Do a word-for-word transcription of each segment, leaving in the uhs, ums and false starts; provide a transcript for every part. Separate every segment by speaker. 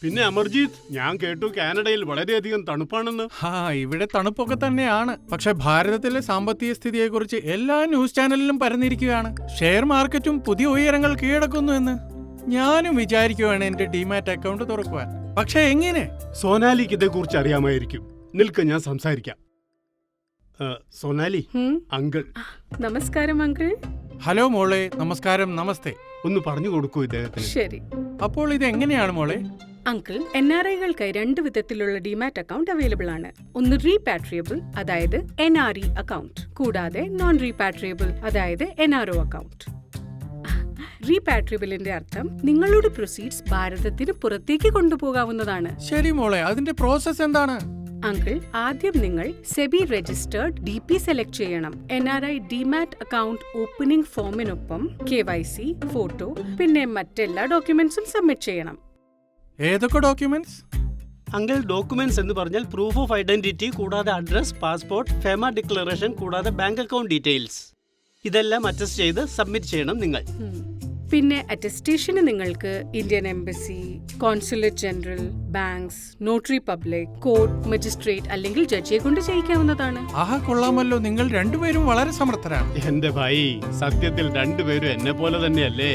Speaker 1: പിന്നെ അമർജീത്, ഞാൻ കേട്ടു കാനഡയിൽ വളരെയധികം തണുപ്പാണെന്ന്.
Speaker 2: ഹാ, ഇവിടെ തണുപ്പൊക്കെ തന്നെയാണ്. പക്ഷെ ഭാരതത്തിലെ സാമ്പത്തിക സ്ഥിതിയെക്കുറിച്ച് എല്ലാ ന്യൂസ് ചാനലിലും പരന്നിരിക്കുകയാണ്. ഷെയർ മാർക്കറ്റും പുതിയ ഉയരങ്ങൾ കീഴടക്കുന്നു എന്ന്. ഞാനും വിചാരിക്കുവാണ് എന്റെ ഡിമാറ്റ് അക്കൗണ്ട് തുറക്കുവാൻ. പക്ഷെ എങ്ങനെ?
Speaker 1: സോനാലിക്ക് ഇതേക്കുറിച്ച് അറിയാമായിരിക്കും. നിൽക്ക്, ഞാൻ സംസാരിക്കാം. സോനാലി, അങ്കിൾ.
Speaker 3: നമസ്കാരം അങ്കിൾ.
Speaker 2: ഹലോ മോളെ. നമസ്കാരം. നമസ്തേ.
Speaker 1: ഒന്ന് പറഞ്ഞു കൊടുക്കൂ ഇദ്ദേഹത്തിന്.
Speaker 3: ശരി.
Speaker 2: അപ്പോൾ ഇത് എങ്ങനെയാണ് മോളെ?
Speaker 3: അങ്കിൾ, എൻ ആർ ഐകൾക്കായി രണ്ട് വിധത്തിലുള്ള ഡിമാറ്റ് അക്കൗണ്ട് അവൈലബിൾ ആണ്. ഒന്ന് റീപാട്രിയബിൾ, അതായത് എൻ ആർ ഇ അക്കൗണ്ട്, കൂടാതെ നോൺ റീപാട്രിയബിൾ, അതായത് എൻ ആർ ഒ അക്കൗണ്ട്. റീപാട്രിയബിളിന്റെ അർത്ഥം നിങ്ങളുടെ പ്രൊസീഡ്സ് ഭാരതത്തിന് പുറത്തേക്ക് കൊണ്ടുപോകാവുന്നതാണ്.
Speaker 2: ശരി മോളെ, അതിന്റെ പ്രോസസ് എന്താണ്?
Speaker 3: അങ്കിൾ, ആദ്യം നിങ്ങൾ SEBI registered D P select ചെയ്യണം. N R I demat account opening ഫോമിനൊപ്പം കെ വൈ സി, ഫോട്ടോ, പിന്നെ മറ്റെല്ലാ ഡോക്യുമെന്റ്സും സബ്മിറ്റ് ചെയ്യണം.
Speaker 2: ഏതൊക്കെ ഡോക്യുമെന്റ്സ്?
Speaker 1: അങ്കിൾ, ഡോക്യുമെന്റ്സ് എന്ന് പറഞ്ഞാൽ പ്രൂഫ് ഓഫ് ഐഡന്റിറ്റി, കൂടാതെ അഡ്രസ്, പാസ്പോർട്ട്, ഫെമ ഡിക്ലറേഷൻ, കൂടാതെ ബാങ്ക് അക്കൗണ്ട് ഡീറ്റെയിൽസ്. ഇതെല്ലാം അറ്റസ്റ്റ് ചെയ്ത് സബ്മിറ്റ് ചെയ്യണം നിങ്ങൾ.
Speaker 3: പിന്നെ അറ്റസ്റ്റേഷന് നിങ്ങൾക്ക് Indian embassy, consulate general, banks, notary public, court, magistrate അല്ലെങ്കിൽ ജഡ്ജിയെ കൊണ്ട് ചെയ്യിക്കാവുന്നതാണ്.
Speaker 2: ആഹാ, കൊള്ളാമല്ലോ. നിങ്ങൾ രണ്ടുപേരും വളരെ സമർത്ഥരാണ്.
Speaker 1: എന്റെ ഭായി, സത്യത്തിൽ രണ്ടുപേരും എന്നെ പോലെ തന്നെയല്ലേ?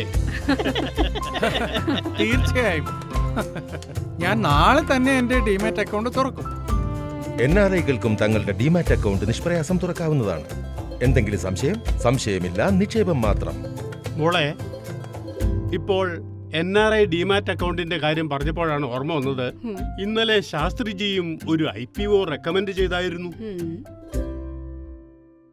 Speaker 2: തീർച്ചയായും. ഞാൻ നാളെ തന്നെ എന്റെ ഡിമാറ്റ് അക്കൗണ്ട് തുറക്കും.
Speaker 4: എൻ ആർ ഐകൾക്കും തങ്ങളുടെ ഡിമാറ്റ് അക്കൗണ്ട് നിഷ്പ്രയാസം തുറക്കാവുന്നതാണ്. എന്തെങ്കിലും സംശയം? സംശയമില്ല, നിക്ഷേപം മാത്രം.
Speaker 1: മോളെ, ഇപ്പോൾ എൻ ആർ ഐ ഡിമാറ്റ് അക്കൗണ്ടിന്റെ കാര്യം പറഞ്ഞപ്പോഴാണ് ഓർമ്മ വന്നത്. ഇന്നലെ ശാസ്ത്രിജിയും ഒരു ഐ പി ഒ റെക്കമെൻഡ് ചെയ്തായിരുന്നു.